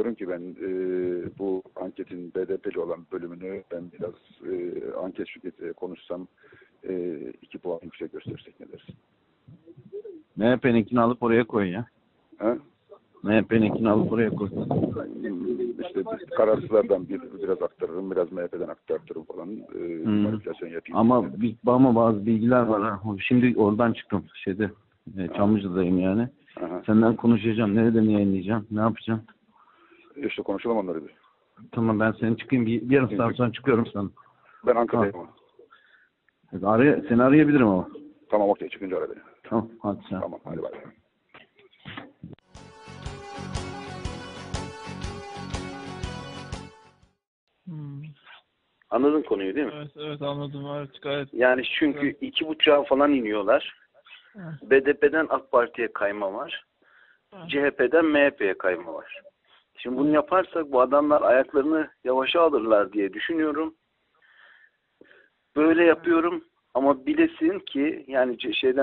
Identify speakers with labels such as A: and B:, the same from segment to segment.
A: diyorum ki ben bu anketin BDP'li olan bölümünü ben biraz anket şirketiyle konuşsam 2 puan yüksek gösterirsek ne dersin?
B: MHP'ninkini alıp oraya koy ya.
A: Ha?
B: MHP'ninkini alıp oraya koy.
A: İşte kararsızlardan biraz aktarırım, biraz MHP'den aktarırım falan. Manipülasyon yapayım.
B: Ama bazı bilgiler var ha. Şimdi oradan çıktım Çamlıca'dayım yani.
A: Aha.
B: Senden konuşacağım. Nereden yayınlayacağım? Ne yapacağım?
A: İşte konuşalım onları bir.
B: Tamam, ben senin çıkayım. Bir yarım saat sonra çıkıyorum sana.
A: Ben Ankara'dayım ama.
B: Seni arayabilirim ama.
A: Tamam, okey, çıkınca ara beni.
B: Tamam, hadi sen.
A: Tamam, hadi bay.
C: Anladın konuyu değil mi?
D: Evet anladım. Evet, gayet.
C: Yani çünkü 2,5'a falan iniyorlar.
D: Evet.
C: BDP'den AK Parti'ye kayma var.
D: Evet.
C: CHP'den MHP'ye kayma var. Şimdi bunu yaparsak bu adamlar ayaklarını yavaşa alırlar diye düşünüyorum. Böyle yapıyorum ama bilesin ki yani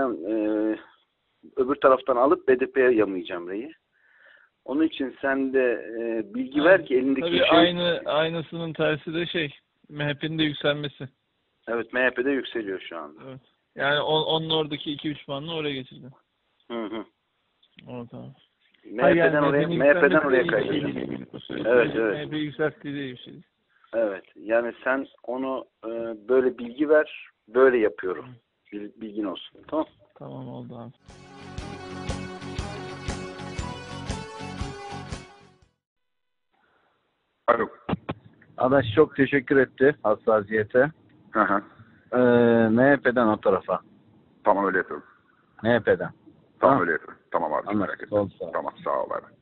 C: öbür taraftan alıp BDP'ye yamayacağım reyi. Onun için sen de bilgi ver ki elindeki
D: Tabii aynısının tersi de MHP'nin de yükselmesi.
C: Evet, MHP'de yükseliyor şu anda.
D: Evet. Yani onun oradaki 2-3 puanını oraya getirdi.
C: Hı.
D: O tamam.
C: MHP'den oraya kaydı. Evet.
D: MHP yükselttiği de bir şey.
C: Evet. Yani sen onu böyle bilgi ver. Böyle yapıyorum. Bilgin olsun. Tamam.
D: Tamam, oldu abi.
A: Alo.
B: Adaş çok teşekkür etti hassasiyete.
A: Hı.
B: MHP'den o tarafa.
A: Tamam, öyle yapıyorum.
B: MHP'den.
A: Tamam, öyle yapıyorum. Tamam abi,
B: Anladım.
A: merak etme.
B: Oldu, sağ ol.
A: Tamam, sağ ol abi.